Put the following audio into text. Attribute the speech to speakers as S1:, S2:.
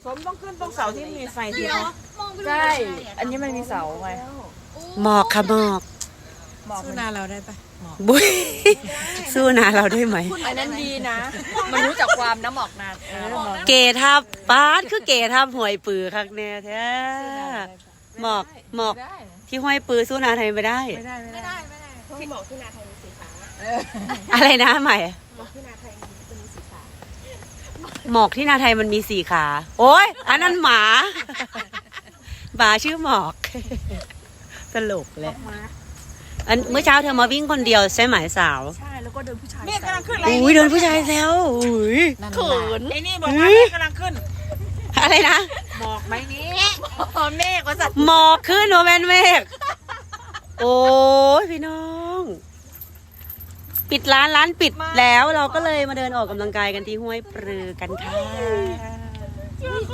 S1: สมต้องขึ้นตรงเสาที่มีไฟทีนะ
S2: ใช่ อันนี้มันมีเสาไง
S3: หมอกค่ะหมอก
S1: สู้นาเราได้ปะหมอก
S3: บุ้ยสู้นาเราได้ไหม
S2: อันนั้นดีนะ มันรู้จักความน้ำหมอกนาน
S3: เกทับป้าดคือเกทับหวยปือคักแน่แท้หมอกที่ห้อยปือสู้นาไทยไม่ได้
S1: ไม่ได้
S4: ที่บอกที่นาไทยมีสีขา
S3: อะไรนะใหม่
S4: บอกที่นาไทยจะมีสีขา
S3: หมอกที่นาไทยมันมี4 ขา โอ้ยอันนั้นหมาหมาชื่อหมอกตลกแหละอันเมื่อเช้าเธอมาวิ่งคนเดียวใช่ไหมสาว
S2: ใช่แล้วก็เดินผู้ชาย
S1: เมฆกำลังขึ้นอะไร
S3: อุ้ยโดนผู้ชายแซวอุ้ย
S2: เขิน
S1: ไอ้นี่บอกว่าเมฆกำลังขึ้น
S3: อะไรนะ
S1: หมอกไหมนี้
S2: เมฆว่าสัตว์
S3: หมอกขึ้นโนแมนเมฆโอ้ยพี่น้อง ปิดร้านปิดแล้วเราก็เลยมาเดินออกกำลังกายกันที่ห้วยปรือกันค่ะ